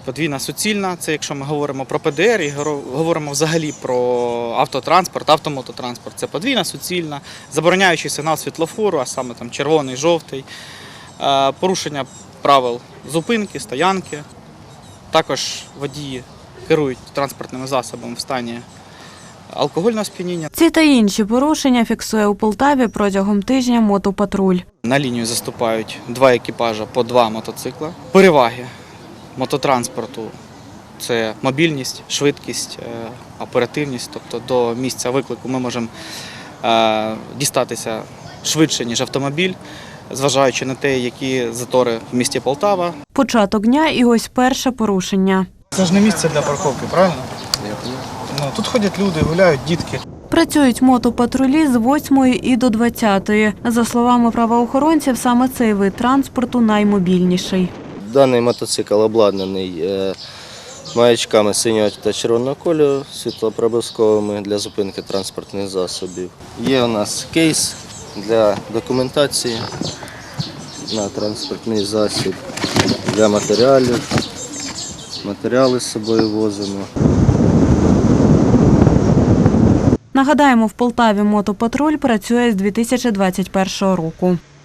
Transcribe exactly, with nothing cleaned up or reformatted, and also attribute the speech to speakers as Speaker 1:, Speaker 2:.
Speaker 1: Подвійна суцільна, це якщо ми говоримо про Пе Де Ер і говоримо взагалі про автотранспорт, автомототранспорт. Це подвійна суцільна, забороняючий сигнал світлофору, а саме там червоний, жовтий, порушення правил зупинки, стоянки. Також водії керують транспортними засобами в стані алкогольного сп'яніння.
Speaker 2: Ці та інші порушення фіксує у Полтаві протягом тижня мотопатруль.
Speaker 1: На лінію заступають два екіпажа по два мотоцикла. Переваги мототранспорту – це мобільність, швидкість, оперативність. Тобто до місця виклику ми можемо дістатися швидше, ніж автомобіль, зважаючи на те, які затори в місті Полтава.
Speaker 2: Початок дня і ось перше порушення.
Speaker 1: Це ж не місце для парковки, правильно? Ну, тут ходять люди, гуляють дітки.
Speaker 2: Працюють мотопатрулі з восьмої і до двадцятої. За словами правоохоронців, саме цей вид транспорту наймобільніший.
Speaker 3: Даний мотоцикл обладнаний маячками синього та червоного кольору, світлопробовськими для зупинки транспортних засобів. Є у нас кейс для документації на транспортний засіб, для матеріалів. Матеріали з собою возимо.
Speaker 2: Нагадаємо, в Полтаві мотопатруль працює з дві тисячі двадцять першого року.